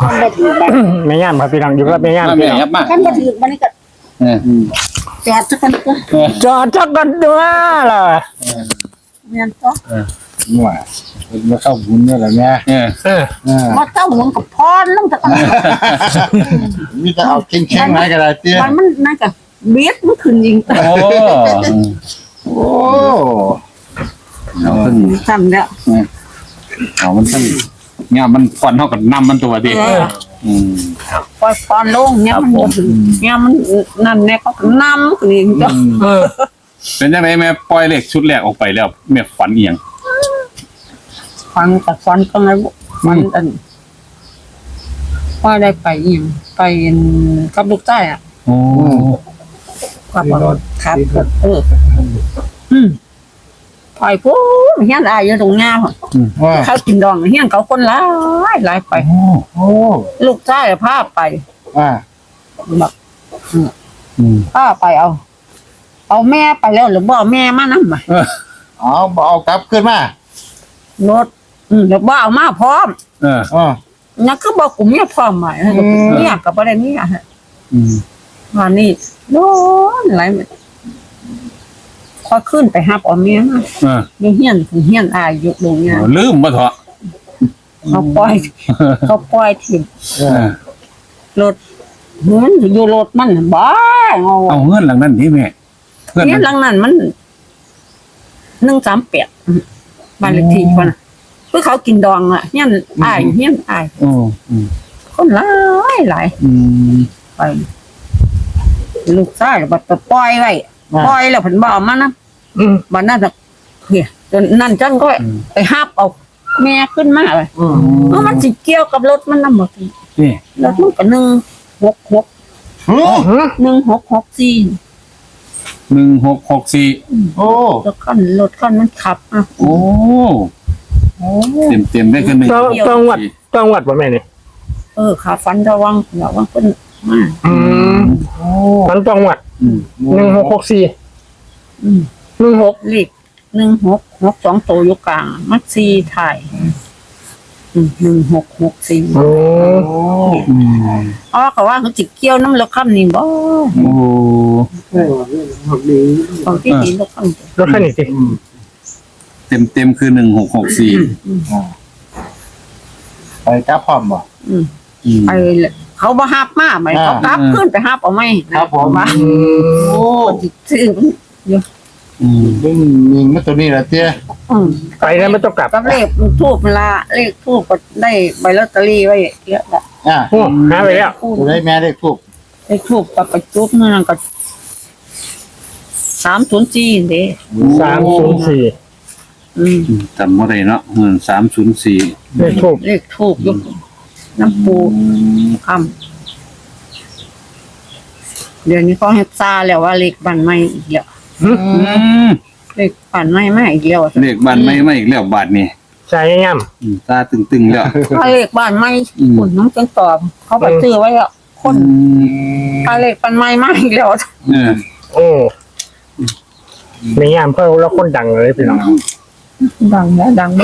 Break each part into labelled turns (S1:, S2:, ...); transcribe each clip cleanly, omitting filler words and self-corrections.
S1: ขั้นบ่ถือบัตร
S2: ไม่ย่ามครับพี่น้องอยู่กับไม่ย่าม
S3: แม่
S2: พี่น้อง
S3: ยับมาก
S1: ขั้นบ่ถือบัตรนี่ก็จอดสักกันก็
S2: จอดจักกันด้วยล่ะ
S1: เมียนก็
S4: มั่วมาเข้าบุญนี่แหละแม่
S1: มาเจ้าหมุนกับพรลงตะกัน
S4: มีแต่เอาแข็งๆไหนก็ได้เตี้ย
S1: มันนั่นก็เบียดมันขึ้นยิง
S3: โอ้
S4: โอ้
S3: เอาขึ้น
S1: ทำแล้ว
S3: เอามันขึ้นเนี่ยมันฟอนเท่ากับน้ำมันตัวดิครับ
S1: ปล่อยพรลงเนี่ยมันบ่ถือเนี่ยมันนั่นแน่ก็นำขึ้นยิงจ้ะ
S3: เป็นยังไงแม่ปล่อยเลขชุดแรกออกไปแล้วแม่ฝันเอียง
S1: ฟังแต่ฟันก็ไงฟันอันว่าได้ไปอีกไปกับลูกใต้อ่ะ
S3: โอ้
S1: ครับครับไปปุ๊บเฮียนอายอยู่ตรงงาม
S4: ว่า
S1: เขากินดองเฮียนเขาคนหลายไป
S4: โอ้
S1: ลูกใต้พาไป
S4: ว่า
S1: แบบพาไปเอาแม่ไปแล้วหรือบ่แม่มานั่งมา
S4: เอากลับขึ้นมาร
S1: ถหรือบ่เอามาพร้อม
S4: อ๋อ
S1: นั่นคือบอกกูเมียพร้อมใหม่เนี่ยกับประเด็นนี้อ่ะวันนี้โน่นไหลพอขึ้นไปหับเอาเมียมาเฮียนเฮียนอายอยู่ตรงเนี้ย
S3: ลืมมาเถอะ
S1: เขาปล่อยถิ่นรถเหมือนอยู่รถมันบ้า
S3: เอาเงื่อนหลังนั้นดิแม่เงื่อน
S1: เนี่ยหลังนั้นมัน138บ้านเลขที่คนน่ะเพื่อเขากินดองอ่ะเฮียนอาย
S3: โอ้
S1: คนหลายไปลูกชายบัดไปปล่อยไว้ปล่อยแล้วเพิ่นบ่เอามานะบัดนั้นน่ะเฮ้ยจนนั่นจังก็ไปหาบเอาแม่ขึ้นมาเลยมันสิเกี่ยวกับรถมันนำบ่
S3: นี่
S1: รถมันก็166 1664
S3: 1664
S4: โอ้
S1: รถคันมันขับอ่ะ
S3: โอ้เต็มได้กันหนึ่ง
S2: จังหวัดบ่แม่นี่
S1: ขาฟันระวังเพิ่นมา
S2: มันจังหวัด1664 16
S1: เลข1662ตัวอยู่กลางมัน4ถ่าย1664
S2: โอ้
S1: ก็ว่าเขาสิเกี่ยวน้ำรถคันนี้บ่
S3: โอ้
S1: ของที่ดินรถคัน
S2: รถคันนี้สิ
S3: เต็มคือ1664
S4: ไปกลับพร้อมบ่
S1: ไปเขาบ่ฮับมาไหมเขากลับขึ้นไปฮับเอาไหม
S4: ครับผม
S1: ว่า
S4: โอ้
S1: ซื้อ
S4: ดึงมิงมาตัวนี้แหละเตี้ย
S2: ไปแล้วไม่ต้องกลับ
S1: กับเลขทูบละเลขทูบก็ได้ใบลอตเตอรี่ไว้เยอะละ
S2: โอ้หาไปแล้ว
S4: ตัวได้แม่ได้ทุก
S1: เลขทูบกับไปจุดนั่นก็304เด้
S2: 304
S3: จำว่าไรเนาะ304
S2: เลขทูบ
S1: เลขทูบยกน้ำปูคำเดี๋ยวนี้ก็ให้ซาแล้วว่าเลขบ้านใหม่อีกแล้วเลขบ้านใหม่มาอีกแล้ว
S3: เลขบ้านไม่อีกแล้วบาทนี่
S2: ใช่ย่ำ
S3: ตาตึงๆแล้ว
S1: ถ้าเลขบ้านใหม่คุณน้องจังตอบเขาไปซื้อไว้แล้วคนถ้าเลขบ้านใหม่มาอีกแล้ว
S2: โอ้ไม่ย่ำเพราะเราคนดังเลยพี่น้อง
S1: ดังนะดังไม่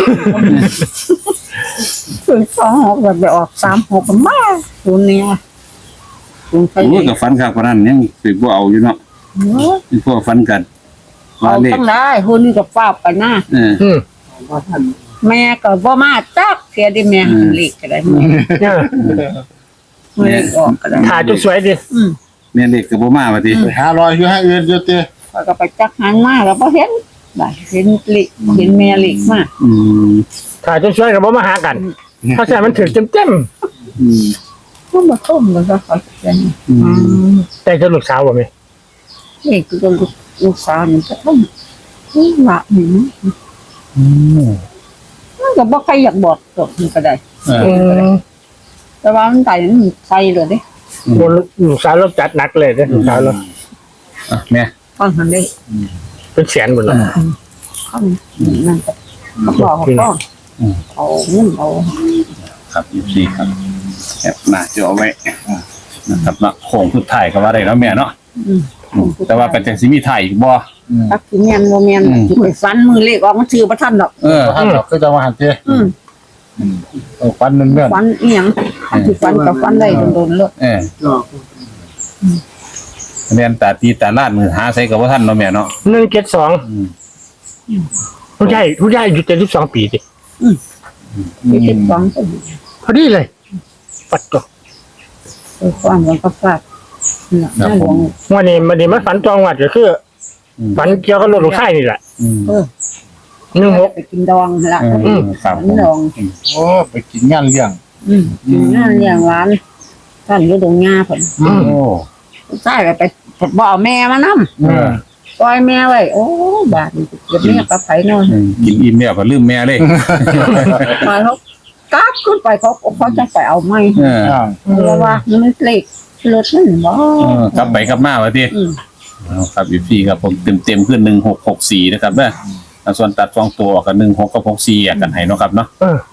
S1: ถึง2 6แบบไปออก3 6กันมาคุณเนี่ยคุณใคร
S3: โอ้กับฟันครับนั้นยังสิบ่เอาอยู่เนาะนี่พวกฟันกันว่า
S1: เอา
S3: เลข
S1: ตั้งได้คุณกับฟ้าไปหน้าแม่ก็บ่มาจักเสียดิแม่เลขก็ได้ไม่ออกก็ได้
S2: ถ่ายจุดสวยดิ
S3: แม่เลขก็บ่มาว่าติ
S4: ไปหารอยอยู่ให้อื่นอยู่เตี้ย
S1: ก็ไปจักหันมาแล้วบ่เห็นได้เห็นเลขเห็นแม่เลขมา
S2: ถ่ายจุดสวยกับบ่มาหากันเพราะฉะนั้นมันถึงเต็ม
S1: มันบ่ต้มแล้วก็เขาจะ
S2: แต่จะลูกสาวบ่แม่
S1: เลขก็ลูกสาวนี่ก็ต้องละนี่มันก็บ่ใครอยากบอกตกนี่ก็ได้แต่ว่ามันตายมันใส่เลยเด้
S2: ลูกสาวเราจัดหนักเลยเด้ลูกสาวเรา
S3: แม่
S1: ฟังทันได้
S2: เป็นแสนหมดเลย
S1: ข้างนั่นก็บอกเขาเอาเงินเอา
S3: ครับ24ครับแอบหน้าจะเอาไว้นะครับเนาะโค้งสุดท้ายก็ว่าได้แล้วแม่เนาะแต่ว่าเป็นจังสิมีถ่ายอีกบ่
S1: ตักสิแม่นบ่แม่นสิไปฟันมือเลขออกมันชื่อบ่ทันดอก
S4: ท่านเราก็จะมาหันเตี้ยฟันเนื่อน
S1: ฟันอีหยังที่ฟันกับฟันได้โดนๆเลย
S3: เรียนตาตีตาลาดมือหาใส่กับว่าท่านเนาะแม่เนาะ
S2: 172ผู้ใหญ่อยู่72ปีสิ
S1: ที่ติดฟังก็
S2: พอดีเลยปัดตัว
S1: ฟังกันก็ฟาดนั่นหลวง
S2: วันนี้มันฝันจองวัดก็คือฝันเกี่ยวกับรถลูกชายนี่แหละ 16
S1: ไปกินดองละ
S3: ครับ
S1: ดอง
S4: โอ้ไปกินงานเลี้ยง
S1: นั่นอย่างร้านท่านอยู่ตรงหญ้าผล
S3: โอ้
S1: ใช่ไปบอกแม่มานั่มปล่อยแม่ไว้โอ้บาดเดี๋ยวแม่กับไผ่นอน
S3: กินอิ่มเนี่ยก็ลืมแม่เลย
S1: มาเขากลับขึ้นไปเขาจะไปเอาไม้เพราะว่ามันเล็กรถมันบ่
S3: กลับไปกลับมาวะทีครับอีพีครับผมเต็มขึ้น1664นะครับเด้อส่วนตัด2ตัวกับ16กับ64กันให้เนาะครับเนาะ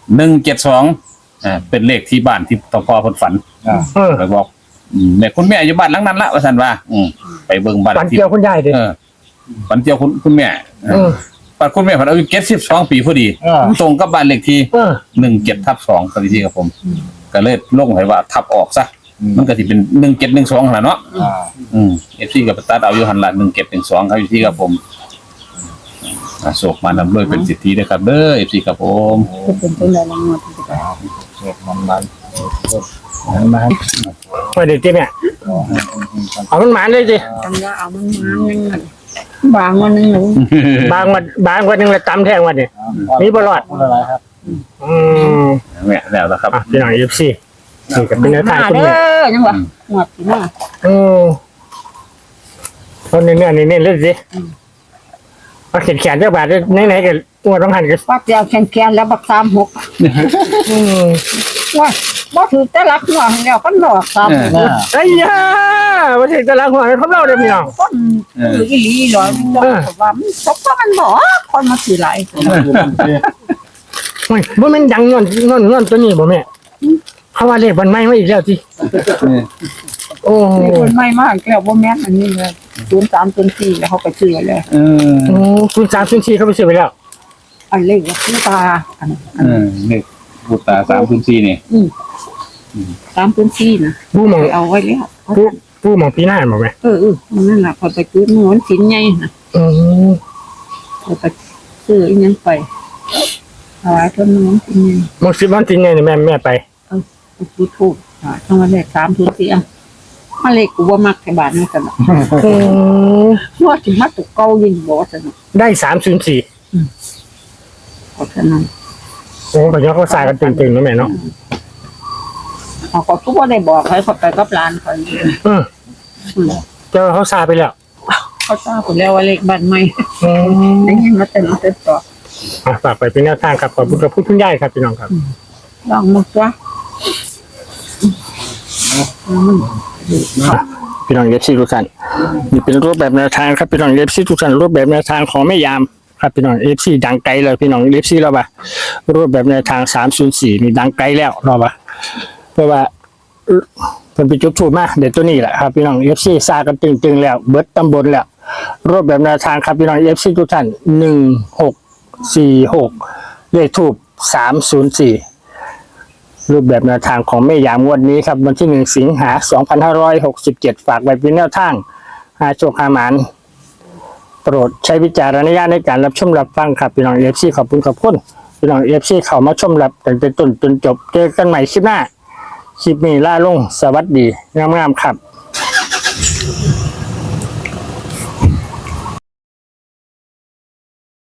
S3: 172เป็นเลขที่บ้านที่ตพเพิ่นฝันไปบอกแม่คุณแม่อยู่บ้านหลังนั้นละว่าซั่นว่าไปเบิ่งบ้าน
S2: ฝันเกี่ยวคุณยายดิ
S3: ฝันเกี่ยวคุณแม่ปัดคุณแม่ฝันอายุ72ปีพอดีตรงกับบ้านเลขที่17/2ครับพี่ครับผมก็เลยลงให้ว่าทับออกซะมันก็สิเป็น1712หั่นล่ะเนาะFC ก็ไปตัดเอาอยู่หั่นล่ะ1712ครับพี่ครับผมโศกมานำด้วยเป็นสิทธิด้วยครับเด้อ FC ครับผม
S1: เป็นต้นอะไรงวดที่จะ
S4: เสร็จมันมา
S2: ไม่ได้ที่เนี่ยเอามันหมานเลยสิ
S1: จังว่าเอามันมาหนึ่งบางวันหนึ่งหนู
S2: บางวันหนึ่งละตำแทงวันนี่มีบลอด
S4: อะไรครับ
S3: แม่แล้วครับ
S2: พี่น้องFCนี่ก็เป็นแนวทางคุณ
S1: เด้
S2: แม่
S1: อจังว่าหมดที่หน้า
S2: คนเนื้อนี่เล่นสิมาเขียนเจ้าบาทไหนๆกันตัวต้องหันกัน
S1: ปักยาวแขนแล้วบัก36ว่าถือแต่รักหัวแล้วก็ดอก36
S2: ไอ้ยามาถึงตลาดหัวเขาเล่าเลยพี่น้อง
S1: ต้นอีหลีหรอว่ามันตกมันบ่คนมาถือหลาย
S2: บ่แม่นดังงอนตัวนี้บ่แม่เขาว่าเลขมันไม่มาอีกแล้วสิโอ้
S1: คนไม่มากแล้วบ่แม่นอันนี้เลย0304แล้วเขาไปซื้อเลย
S2: คุณ304เขาไปซื้อไปแล้ว
S1: อันเลขว่าคือตาอัน
S3: เลขบุตรตา304นี่
S1: 304นะ
S2: ผู้มอง
S1: เอาไว้แล้ว
S2: ผู้มองปีหน้าบ่แม่
S1: นั่นล่ะพอไปซื้อมันสินใหญ่นะพอไปซื้ออีหยังไปถวายต้นมันสินใหญ่
S2: มองสิวันจริงไงนี่แม่ไป
S1: พูดถูกต้องมาเลข304อ่ะมาเลขกูบ่มักแค่บาทนี่ซั่นน่ะว่าสิมาตกเก่ายิ่งบ่ซั่นน่ะ
S2: ได้304
S1: เพราะฉะนั้น
S2: โอ้ก็ยังเขาสายกันตึงๆนะแม่เนาะ
S1: เขาก็ทุกว่าได้บอกให้เขาไปกับร้านเขา
S2: เจ้าเขาสายไปแล้ว
S1: เขาทราบหมดแล้วว่าเลขบ้านใหม่ได้ยินมาแต่มาแต่ต่อ
S2: ฝากไปเป็นแนวทางครับขอบคุณกับผู้คุณยายครับพี่น้องครับ
S1: ลองมึกวะ
S2: พี่น้องเอฟซีทุกท่านนี่เป็นรูปแบบแนวทางครับพี่น้องเอฟซีทุกท่านรูปแบบแนวทางของแม่ยามครับพี่น้องเอฟซีดังไกลเลยพี่น้องเอฟซีเราปะรูปแบบแนวทาง304นี่ดังไกลแล้วเราปะเพราะว่าเพิ่นไปจุดถูกมาเดี๋ยวตัวนี้แหละครับพี่น้องเอฟซีซากันตึงๆแล้วเบิดตำบลแล้วรูปแบบแนวทางครับพี่น้องเอฟซีทุกท่าน1646เลขทูป304รูปแบบแนวทางของแม่ยามงวดนี้ครับวันที่1 สิงหาคม 2567ฝากไว้เป็นแนวทางหาโชคหาหมานโปรดใช้วิจารณญาณในการรับชมรับฟังครับพี่น้องFCขอบคุณพี่น้องFCเข้ามาชมรับตั้งแต่ต้นจนจบเจอกันใหม่คลิปหน้าคลิปนี้ล่าลงสวัสดีงามๆครับ